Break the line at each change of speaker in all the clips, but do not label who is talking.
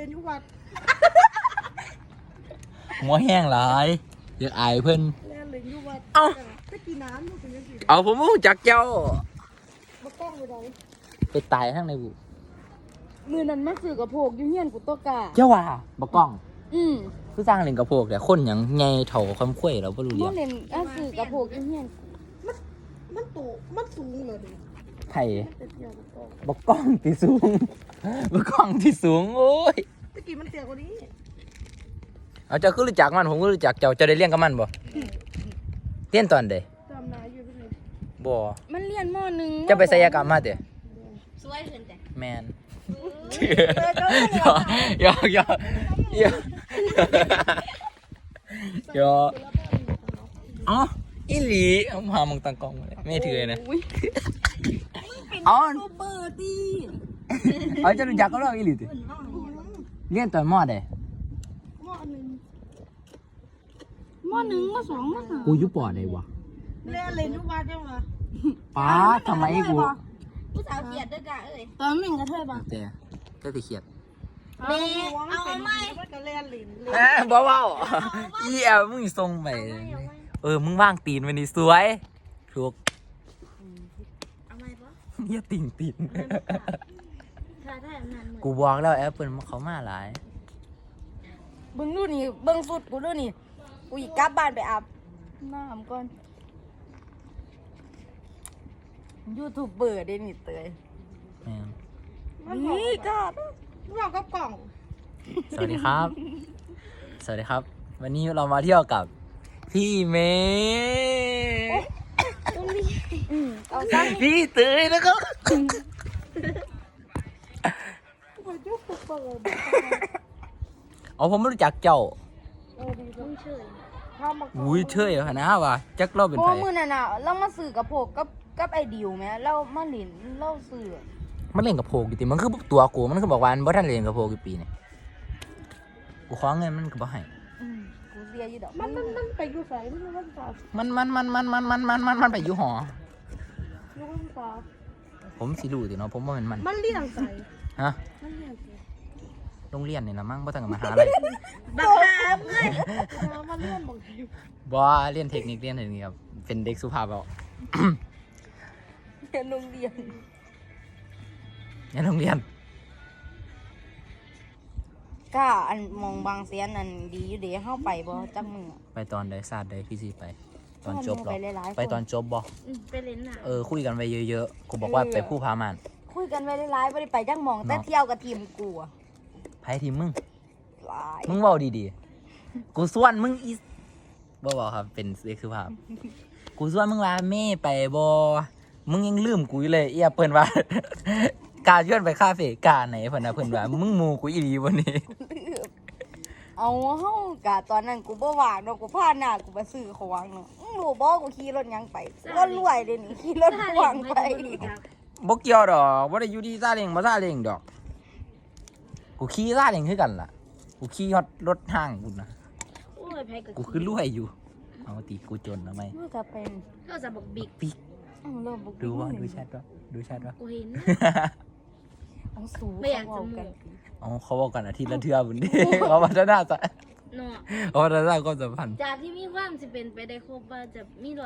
เลยยุวัด
หัวแห้งหลายเดี๋ยวอายเพิ่น
แล่นเลยยุวัดไปกินน้ำลูกเป็นยังไง
เอาผมรู้จักเจ้า
มาต้องไปไหน
ไปตายข้างในบุ
มือนั้นมาสื่อกับโผกยุ่งเฮียนกูตกะ
เจ้าว่าบ่กล้อง
คือ
สร้างเล่นกระโพกแต่คนหยังไงเถ่าคำคุ้ยเราบ่รู้เรื่
บ่
อง
เล่นสื่อกับโผกยุ่งเฮียนมันโตมันสูงเลยดิ
ไผ่บ่กล้องที่สูงบ่กล้องที่สูงโอ้ย
ตะกี้มันเตี้ยกว่านี้
เอาเจ้าคือรู้จักมันผมก็รู้จักเจ้าจะได้เลี้ยงกับมันบ่เลี้ยนตอนใด
จำนายอยู่เป็นไง
บ่
มันเรียนม.1
จะไปศัลยกรรมมาเด้อ
สวยขึ้นแต่
แม่นยอกยอกยอกยอกอ๋ออีหลีเอามามึงตั้งกล้องเลยไม่ถือนะอ๋อ
เปิดดิ
เอาจะรู้จักก็เล่าอีหลีติเรียนตอนมอใด
ม.1 ม.2 ม.3
กูอยู่ปอใดวะ
เล่นเลยยุวัดจังวะ
ป้าทำไมกู
ผู้สาวเกลียดด้วยกะเอ้ย
ตอนมันกระเทยป่ะ
แต่ก็ไปเขียด
เมเอาไหม
มันก็เล่นลิ้น
บ่เว้าอีแอลมึงส่งไปมึงว่างตีนวันนี้สวยถูก
เอาไหมปะ
เฮียติ่งตีน
ถ้าได้อำนาจมือ
กูบอกแล้วแอปเปิลเขามาหลาย
เบิ่งดูนี่เบิ่งสุดกูดูนี่กูอีกกลับบ้านไปอาบน้ำก่อนยูทูบเบอร์ได้นี่เตย
แม่ง
นี่ก็เรากับกล่อง
สวัสดีครับ สวัสดีครับ วันนี้เรามาเที่ยวกับพี่เมย์
เอาซ้
พี่เตยนะครับ
ำยูทูบเบอร์
เอาผมไม่รู้จักเจ้า
ดีจัง
เฉย
ข้ามมา
อุ้ยเชื่อเหรอนะวะจักเราเป็น
เพ
ใคร
ราะมือน่ะน่ะเรามาสื่อกับพวกกับไอ้ดิวแม่เรามาหลินเราสื่อ
มันเล่นกับโพกิติมันคือตัวกูมันคือบอกว่ามันบ่ทันเล่นกับโพกี่ปีเนี่ยกูขอเงินมันก็บ่ให้
กูเสียอยู่ดอกมันไปอยู่ไสมันมันสาว
มันไปอยู่หอ
อยู่มันสาว
ผมสิรู้ติเนาะผมว่ามัน
มันเลี้ยงไส
ฮะ
มันเลี้ยงไส
โรงเรียนนี่นะมั้งบ่ต้องกับมหาลัย
บักหามเลย
มันเลี้ยงบ่ได้
บ่เรียนเทคนิคครับเป็นเด็กสุภาพเอา
เรียนโรงเรียน
ในโรงเรียน
ก็อันมองบางเสียนอันดีอยู่เด้เฮาไปบ่จักมื้อ
ไปตอนใดศาสตร์ใดพี่สิไป ตอนจบหรอ
ไปหลายๆคน
ไปตอนจบบ่
ไปเล่นน่ะ
คุยกันไปเยอะๆกูบอกว่าไปผู้พามาน
คุยกันไว้หลายๆบ่ได้ไปจักหมองแต่เที่ยวกับทีมกูอะ
ไผทีมมึง
หลาย
มึงเว้าดีๆกูส่วนมึงอีบ่ครับเป็นเด็กสุภาพกูส่วนมึงว่าแม่ไปบ่มึงยังลืมกูอยู่เลยเอียเปิ้นว่า กาชวนไปคาเฟ่กาไหนเพิ่นน่ะเพิ่นว่ามึงหมู่กูอีหลีบ่นี่
เอาเฮากะตอนนั้นกูบ่ว่างเนาะกูพาหน้ากูไปซื้อของเนาะรู้บ่กูขี่รถหยังไปก็รวยเด้นี่ขี่รถพ่วงไป
บ่เกี่ยวดอกบ่ได้อยู่ที่ซาเล้งบ่ซาเล้งดอก กูขี่ซาเล้งคือกันล่ะ กูขี่ฮอดรถห้างกูนะ
โอ้ยไผก็
กูคือรวยอยู่ เอาติกูจนทำไม
มันก็เป็น
ก็จะบอกบิ๊ก
ปิ๊ก
เริ่มบ่
ดูว่าดูแชทว่าดูแชทว่า
กูเห็น
เอาสู
ไม่อยากจะ
เว้
หมู่
กัน
เอาเขาบอกกันอาทิตย์ละเทื่อบุญดี เขาพัฒนาจะ
เนาะ
เขาพัฒนาความสัมพันธ์
จากที่มีความสิเป็นไปได้ครบว่าจะมี100%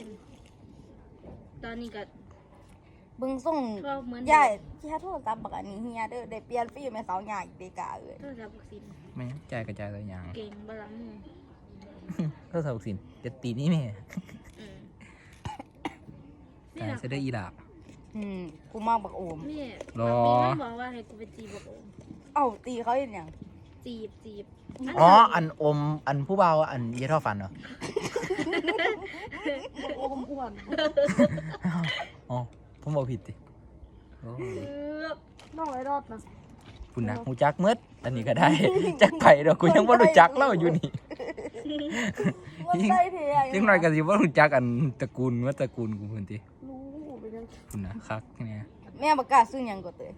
ตอนนี้ก็
เบิ่งส่ง
ก็เหมือน
ยายที่โทรศัพท์บักอันนี้เฮียเด้อได้เปลี่ยนฟิล์มให้สาวใหญ่เดกาเอ้ย
โทรศัพท์วัคซีน
ไม่ใจกระจายตัวอย่าง
เก่งบลังมือ
ก็สาวสินจะตีนี่แม่
อืม
กายจะได้อีดาบ
กูมาบักโอม
นี่
รอ
มีมันบอกว่าให้กูไปจีบบอกโอม
เอ้าตีเขาเห็นหยัง
จีบ
อ๋ออันอมอันผู้เบาอันเยี่ยท่อฟันเหรอ
โอมอ้วน
อ๋อผมบอกผิดดิโอ้
น้องไอ้รอดนะ
คุณนะหูจักเมืดอันนี้ก็ได้ จักไผ่ดอกกูยังว่ารู้จักเล่าอยู่นี่
มันได้เทอะ
ยังหน่อยก็สิว่ารู้จักอันตระกูลว่าตระกูลกูเพิ่นติ
รู้ไปยัง
คุณนะคักเนี่ย
แม่ประกาศซื้อหยังก็เตย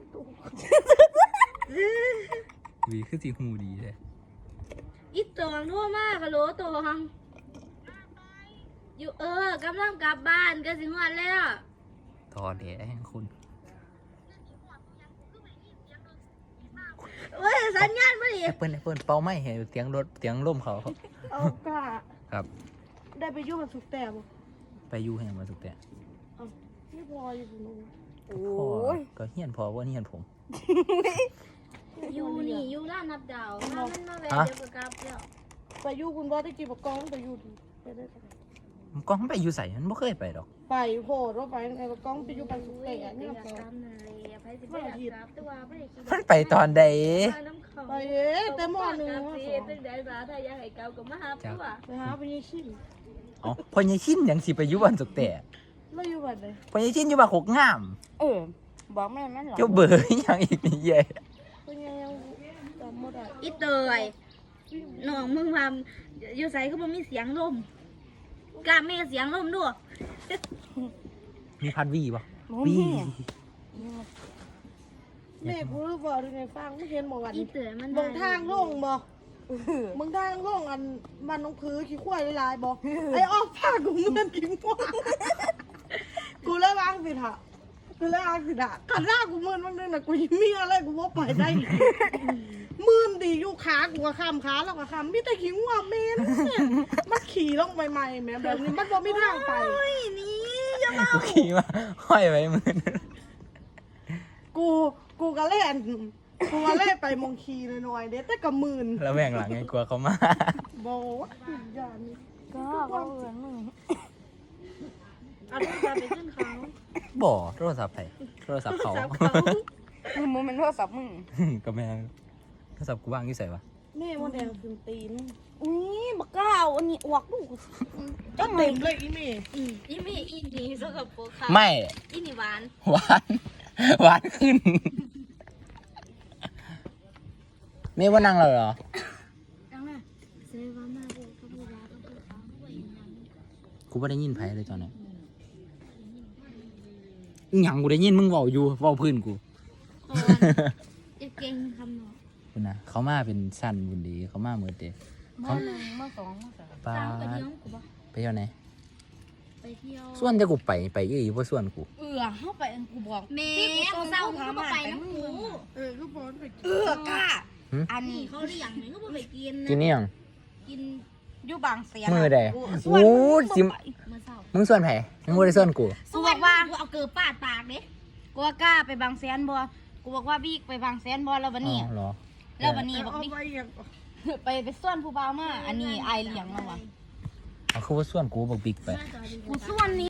วีคือสิหูดีเลย
อีตองทั่วมากฮัลโหลตองอยู่กำลังกลับบ้านก็สิฮอดแล้ว
ทอแดงคุณ
เว้ย
แอปเปิลเป่าไม้ให้เสียงรถเสียงลมเขา
เอากะ
ครับ
ได้ไปยุ่งกับสุกแต่บ่
ไปอยู่แห่งมาสุดแต่
นี่พออยู่ผมรู้
โอ้
พ่อย ก็เฮียนพอว่าเฮียนผม
อยู่นี่อยู่ร้านนับดาวถ้ามันมาแวะเดี๋ยวก็กลับแล้ว
ไปยุ่งคุณบ่ได้กี่บอกกองไปอยู่ดีไปได้ปะ
มันก็ไปอยู่ใส่มันบ่เคยไปดอก
ไปโหดว่าไปไงบอกกองไปอยู่ปันสุกแต่
อยาก
นี่
ก
ก็
ลับนั่นเลยไปสิไปกลับตัวไม่ได้คิด
มันไปตอนใด
น้ำเขา
ไปแต่หม้อหนึ่ง
กลับ
หม้อ
สิ
สอง
ตึ้งได้มาถ้าอยากให้เก่าก็มาหาตัว
ไปหาไปยี่ชิม
อ๋อพญาชินยังสิไปอยู่บ้านสุกแต่
แล้วอยู่บ้านไหน
พญาชินอยู่บ้านโคกงาม
บอกแม่แม่หรอ
เจ้าเบอร์อีหยังอีกนี่เย่
เป็นไงยังจำไม่ได้
อีเตยน้องมึงว่าอยู่ใส่ก็บ่มีเสียงลมกล้าแม่เสียงลมด้วย
มีพัดวีป่ะ
บ่
วี
มี
แม่กูรู้บอกดูไงฟังไม่เห็นบอกวัน
อีเตยมัน
บางทางโล่งบ่บางทางโล่งอันมันน้องพื้ขี้ควายลายบ่ไอ้ออกผ้ากูเมื่อนกินว่ากูเลยวางสิท่ะกูเลยวางสิท่ะขันหน้ากูเมื่อนบางเดือนน่ะกูยังมีอะไรกูว่าไปได้มื่นดีอยู่ขากูก็ข้ามขาแล้วก็ข้ามมีแต่ขี้ว่าเมนมันขี่ลงใหม่ๆแม่แบบนี้มันบ่มีทางไป
นี่อย่ามา
กูขี่มาห้อยไว้มือ
กูก็เล่นกูก็เล่นไปมองคีหน่อยๆเด็ดแต่กับหมื่น
แล้วแม่งหลังไงกลัวเขามา
บอกว่าอย่านี่
ก็เขาเอิ้นมึง
เอาลูกตาไปขึ้นเขา
บ่โทรศัพท์ไผโทรศัพท์เขา
จับเขา
มึงเป็นโทรศัพท์มึง
ก็แม่งโทรศัพท์กูว่างอยู่ใส่วะ
แม่มันแดงขึ้นตีน
อุ้ยบักก้าวอันนี้อวกลูก
ก็เต็มเลยอีเมย์
อีมีอีนี่สกับโปค่ะ
ไม่
อีนี่หวาน
หวานหวานขึ้นไม่ว่านั่งเราเหรอ
จังน่ะเซวามาเด็กเขาพูดว่าเขาพูดเขาพูดอย่างนั้น
กูไม่ได้ยินไผเลยตอนนี้อิหยังกูได้ยินมึงเว้าอยู่เว้าพื้นกู
ก่อนจะเก่งคำหนอ
คุณนะเขามาเป็นสั้นบุญดีเขามาเมื่อเตะ
มาหนึ่งมาสองมาสาม
ปลา
สาวไปเที่ยวกูปะ
ไปเที่ยวไหน
ไปเที่ยว
ส่วนจะกูไปอีกเพราะส่วนกู
เข้าไปอันกูบอก
แม่กูเศร้ากูก็ไปน้ำกู
ลูกบอลไป
กล้า อัน
นี่
นี้
เขาได้อย่างหนึ่งก็บ่ไปกิน
กินนี่ยัง
กิน
อยู่บางเสียง
มือใด
ส่วน
โอ้
มึง
สิม
เมื่อเศร้า
มึงส่วนไผมึงบ่ได้ส่วนกู
กูบอกว่า
กูเอาเกลือปาดปากเด้
กูว่ากล้าไปบางแสนบ่กูบอกว่าบิ๊กไปบางแสนบ่แล้ววันนี้
อ๋อเหรอ
แล้ววันนี้บอก
เอา
บิ๊ก
ไปอย่าง
ไปส่วนผู้บ่าวมาอันนี้ไอายเลี้ยงมาว่ะ
เอาคือว่าส่วนกูบอกบิ๊กไป
น่าจะดี
กูส่วนนี้